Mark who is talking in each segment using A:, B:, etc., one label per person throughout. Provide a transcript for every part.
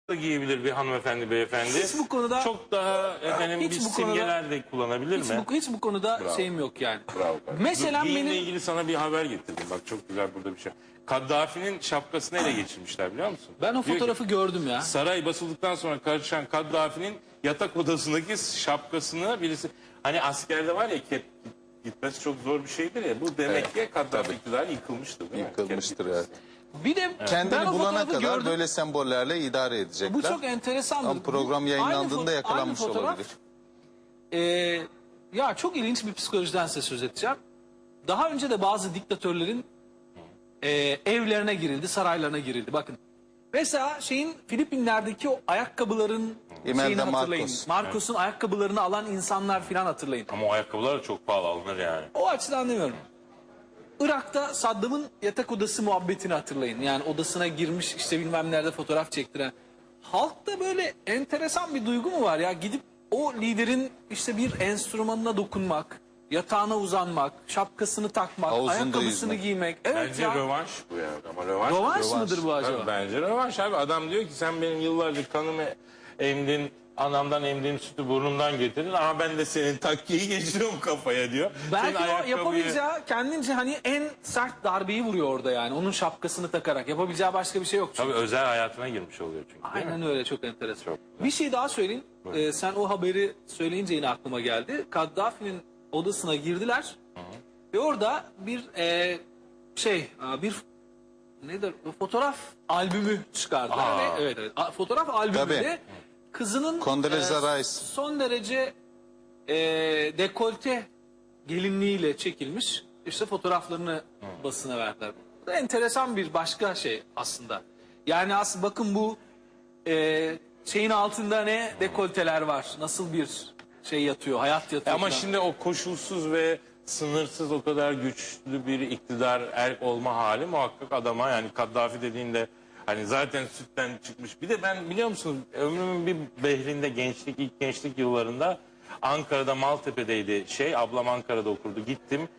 A: da giyebilir bir hanımefendi, beyefendi.
B: Hiç bu konuda
A: çok daha efendim
B: hiç
A: bir
B: bu konuda-
A: simgeler de kullanabilir mi?
B: hiç bu konuda
C: Bravo.
B: şeyim yok yani.
C: Bravo.
B: Mesela
A: Giyimle
B: benim
A: ilgili sana bir haber getirdim. Bak çok güzel burada bir şey. Kaddafi'nin şapkasını ele geçirmişler biliyor musun?
B: ben o
A: Diyor ki,
B: fotoğrafı gördüm ya.
A: saray basıldıktan sonra karışan Kaddafi'nin yatak odasındaki şapkasını birisi... Hani askerde var ya kep gitmesi çok zor bir şeydir ya. Bu demek ki Kaddafi iktidarı yıkılmıştır değil mi?
C: Yıkılmıştır
A: Kep
C: evet.
B: Bir de ben
C: Kendini
B: o
C: bulana
B: fotoğrafı
C: kadar
B: gördüm.
C: böyle sembollerle idare edecekler.
B: Bu çok enteresandır.
C: Ama program
B: Bu-
C: yayınlandığında
B: aynı
C: yakalanmış
B: fotoğraf,
C: olabilir.
B: Ya çok ilginç bir psikolojiden size söz edeceğim. Daha önce de bazı diktatörlerin evlerine girildi, saraylarına girildi. Bakın. Mesela Filipinler'deki o ayakkabıların
C: Imelda
B: şeyini hatırlayın.
C: Marcos.
B: Marcos'un ayakkabılarını alan insanlar filan hatırlayın.
A: Ama o ayakkabılar da çok pahalı alınır yani.
B: O açıdan demiyorum. Irak'ta Saddam'ın yatak odası muhabbetini hatırlayın. Yani odasına girmiş işte bilmem nerede fotoğraf çektiren. Halkta böyle enteresan bir duygu mu var ya? Gidip o liderin işte bir enstrümanına dokunmak, yatağına uzanmak, şapkasını takmak,
C: Havuzunda
B: ayakkabısını
C: yüzmek.
B: giymek. Evet
A: Bence
B: ya.
A: rövanş bu ya. Ama rövanş.
B: Rövanş mıdır bu acaba?
A: Tabii bence rövanş abi. Adam diyor ki sen benim yıllarca kanımı emdin, anamdan emdiğim sütü burnumdan getirdin ama ben de senin takkiyi geçiriyorum kafaya diyor.
B: Belki
A: Senin
B: o
A: ayakkabıyı-
B: yapabileceği kendince hani en sert darbeyi vuruyor orada yani. Onun şapkasını takarak. Yapabileceği başka bir şey yok çünkü.
A: Tabii özel hayatına girmiş oluyor çünkü. değil mi?
B: Aynen öyle, çok enteresan.
A: Çok
B: Bir şey daha söyleyeyim. Sen o haberi söyleyince yine aklıma geldi. Kaddafi'nin odasına girdiler. Ve orada bir bir nedir? Fotoğraf albümü çıkardılar.
A: Aa.
B: Ve, evet. Fotoğraf albümünde
C: Tabii.
B: kızının
C: Condoleezza Rice.
B: son derece dekolte gelinliğiyle çekilmiş işte fotoğraflarını basına verdiler. Bu da enteresan bir başka şey aslında. Yani aslında bakın bu şeyin altında ne dekolteler var. Nasıl bir şey yatıyor, hayat yatıyor.
A: Ama
B: falan.
A: şimdi o koşulsuz ve sınırsız o kadar güçlü bir iktidar erk olma hali muhakkak adama yani Kaddafi dediğinde hani zaten sütten çıkmış. Bir de ben biliyor musunuz ömrümün bir behrinde ilk gençlik yıllarında Ankara'da Maltepe'deydi ablam Ankara'da okurdu. Gittim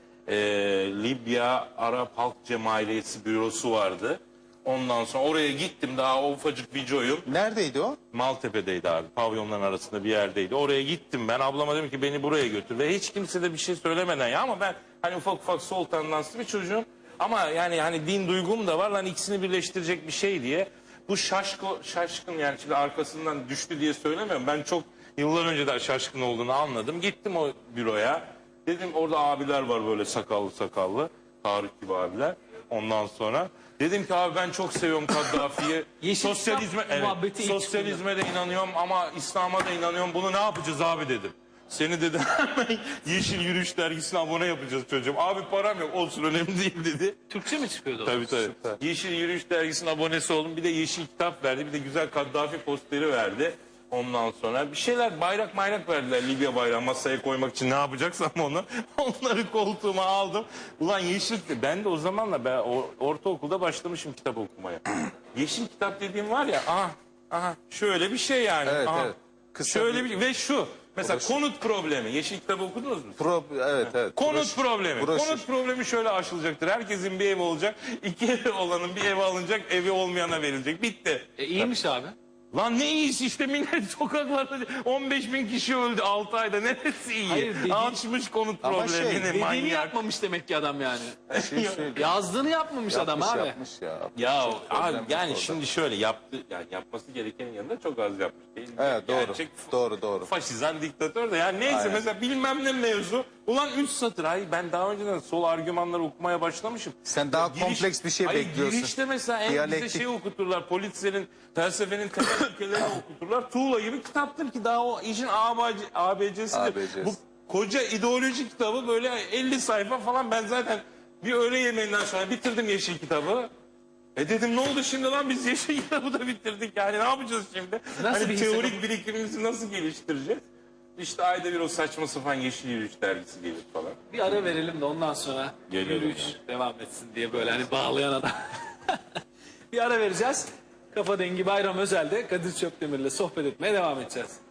A: Libya Arap Halk Cemaiyeti bürosu vardı. Ondan sonra oraya gittim daha o ufacık videoyum.
C: Neredeydi o?
A: Maltepe'deydi abi. Pavyonların arasında bir yerdeydi. Oraya gittim ben. Ablama dedim ki beni buraya götür. Ve hiç kimse de bir şey söylemeden ya ama ben hani ufak ufak sol tandanslı bir çocuğum. Ama yani hani din duygum da var. Lan ikisini birleştirecek bir şey diye. Bu şaşkın yani şimdi arkasından düştü diye söylemiyorum. Ben çok yıllar önce de şaşkın olduğunu anladım. Gittim o büroya. Dedim orada abiler var böyle sakallı. Tarık gibi abiler. Ondan sonra dedim ki abi ben çok seviyorum Kaddafi'yi.
B: Yeşil
A: Sosyalizme,
B: İslam muhabbeti ilk
A: sosyalizme de inanıyorum ama İslam'a da inanıyorum. Bunu ne yapacağız abi dedim. Seni dedi hemen Yeşil Yürüyüş dergisine abone yapacağız çocuğum. Abi param yok olsun önemli değil dedi.
B: Türkçe mi çıkıyordu o?
A: Tabii.
C: Süper.
A: Yeşil Yürüyüş dergisinin abonesi oldum. Bir de yeşil kitap verdi. Bir de güzel Kaddafi posteri verdi. Ondan sonra bir şeyler bayrak verdiler. Libya bayrağı masaya koymak için ne yapacaksam onu. Onları koltuğuma aldım. Ulan yeşil ben de o zamanla ortaokulda başlamışım kitap okumaya. Yeşil kitap dediğim var ya aha şöyle bir şey yani.
C: Evet,
A: aha.
C: evet. Kısa
A: Şöyle
C: bir-
A: ve şu mesela
C: Burası.
A: konut problemi. Yeşil kitabı okudunuz mu?
C: Evet.
A: Konut problemi.
C: Broşür.
A: Konut problemi şöyle aşılacaktır. Herkesin bir evi olacak. 2 evi olanın bir evi alınacak. Evi olmayana verilecek. Bitti.
B: İyiymiş abi.
A: Lan ne iyisi işte millet sokaklarda 15 bin kişi öldü 6 ayda. Neresi iyi?
B: Hayır,
A: Açmış konut
C: Ama
A: problemini
B: Dediğini
A: manyak.
B: yapmamış demek ki adam yani.
C: Şey söyleyeyim.
B: Yazdığını yapmamış adam abi.
C: Yapmış ya.
A: Ya
C: Çok
A: abi
C: problem
A: yani
C: yok
A: şimdi şöyle yapması gerekenin yanında çok az yapmış değil mi?
C: Evet, doğru.
A: Gerçek
C: Doğru.
A: faşizan diktatör de yani neyse
C: Aynen.
A: mesela bilmem ne mevzu. Ulan 3 satır ben daha önceden sol argümanları okumaya başlamışım.
C: Sen daha kompleks bir şey bekliyorsun.
A: Girişte mesela en bize
C: Diyalektik.
A: şey okuturlar. Politserin felsefenin temel ilkelerini okuturlar. Tuğla gibi kitaptır ki daha o işin ABC'sidir.
C: ABC'si.
A: Bu koca ideoloji kitabı böyle 50 sayfa falan ben zaten bir öğle yemeğinden sonra bitirdim yeşil kitabı. Dedim ne oldu şimdi lan biz yeşil kitabı da bitirdik yani ne yapacağız şimdi?
B: Nasıl
A: Hani
B: bir
A: teorik birikimimizi nasıl geliştireceğiz? İşte ayda bir o saçma sapan Yeşil Yürüyüş dergisi gelir falan.
B: Bir ara verelim de ondan sonra
A: Geliyorum
B: yürüyüş devam etsin diye böyle hani bağlayan adam. Bir ara vereceğiz. Kafa Dengi Bayram Özel'de Kadir Çöpdemir'le sohbet etmeye devam edeceğiz.